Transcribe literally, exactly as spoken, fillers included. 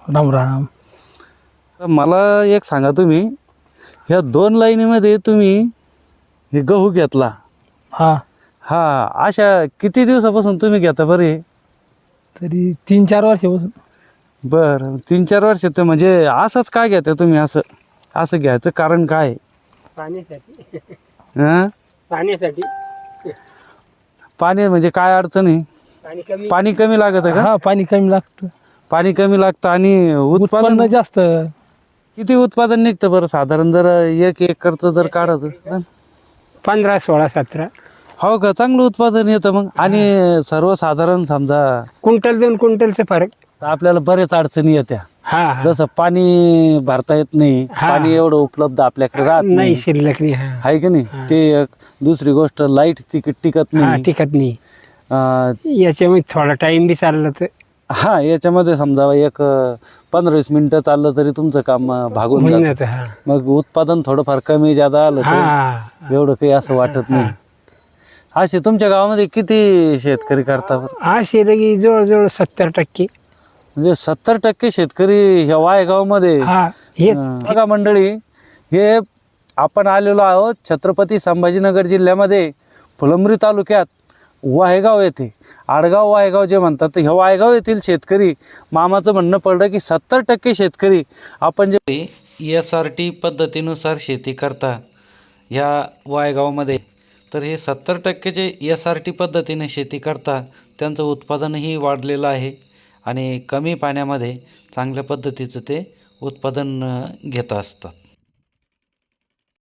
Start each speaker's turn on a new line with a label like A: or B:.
A: राम राम.
B: तर मला एक सांगा, तुम्ही ह्या दोन लाईनीमध्ये तुम्ही हे गहू घेतला,
A: हा
B: हा अशा किती दिवसापासून तुम्ही घेता बरं हे?
A: तरी तीन चार वर्षापासून.
B: बरं, तीन चार वर्ष. तर म्हणजे असंच काय घेता तुम्ही? असं असं घ्यायचं कारण काय आहे?
C: पाण्यासाठी.
B: हं?
C: पाण्यासाठी.
B: पाणी म्हणजे काय अडचण आहे?
C: पाणी कमी.
B: पाणी कमी लागत का?
A: हा पाणी कमी लागतं,
B: पाणी कमी लागतं आणि
A: उत्पन्न
B: उत्पादन
A: जास्त.
B: किती उत्पादन निघतं बरं साधारण, जर एक एकरचं जर काढायचं?
C: पंधरा सोळा सतरा
B: हो का, चांगलं उत्पादन येतं मग. आणि सर्वसाधारण समजा
C: क्विंटल दोन क्विंटलचे फरक.
B: आपल्याला बरेच अडचणी येत्या,
C: हा हा.
B: जसं पाणी भरता येत नाही,
C: हा.
B: पाणी एवढं उपलब्ध आपल्याकडे राहत
C: नाही
B: नाही,
C: शिल्लक नाही. हा
B: आहे की नाही? ते एक. दुसरी गोष्ट, लाईट टिकत टिकत
C: हा
B: नाही.
C: टिकत नाही.
B: अं,
C: याच्यामुळे थोडा टाइम बी चालला तर
B: हा याच्यामध्ये समजा एक पंधरा वीस मिनिटं चाललं तरी तुमचं काम अं, भागून
C: होऊन
B: जातं.
C: जातं. हा
B: मग उत्पादन थोडंफार कमी जादा आलं तर
C: हा.
B: एवढं काही असं वाटत नाही. असे तुमच्या गावामध्ये किती शेतकरी करतात बरं?
C: हा शिरगी जवळजवळ सत्तर टक्के.
B: म्हणजे सत्तर टक्के शेतकरी ह्या वायगावमध्ये.
C: हा हेच.
B: अं, बघा मंडळी, हे आपण आलेलो आहोत छत्रपती संभाजीनगर जिल्ह्यामध्ये फुलंब्री तालुक्यात वाहेगाव येथे. आडगाव वाहेगाव जे म्हणतात, तर ह्या वाहेगाव येथील शेतकरी मामाचं म्हणणं पडलं की सत्तर टक्के शेतकरी आपण जे एस आर टी पद्धतीनुसार शेती करता ह्या वायगावमध्ये, तर हे सत्तर टक्के जे एस आर टी पद्धतीने शेती करता त्यांचं उत्पादनही वाढलेलं आहे आणि कमी पाण्यामध्ये चांगल्या पद्धतीचं ते उत्पादन अं, घेत असतात.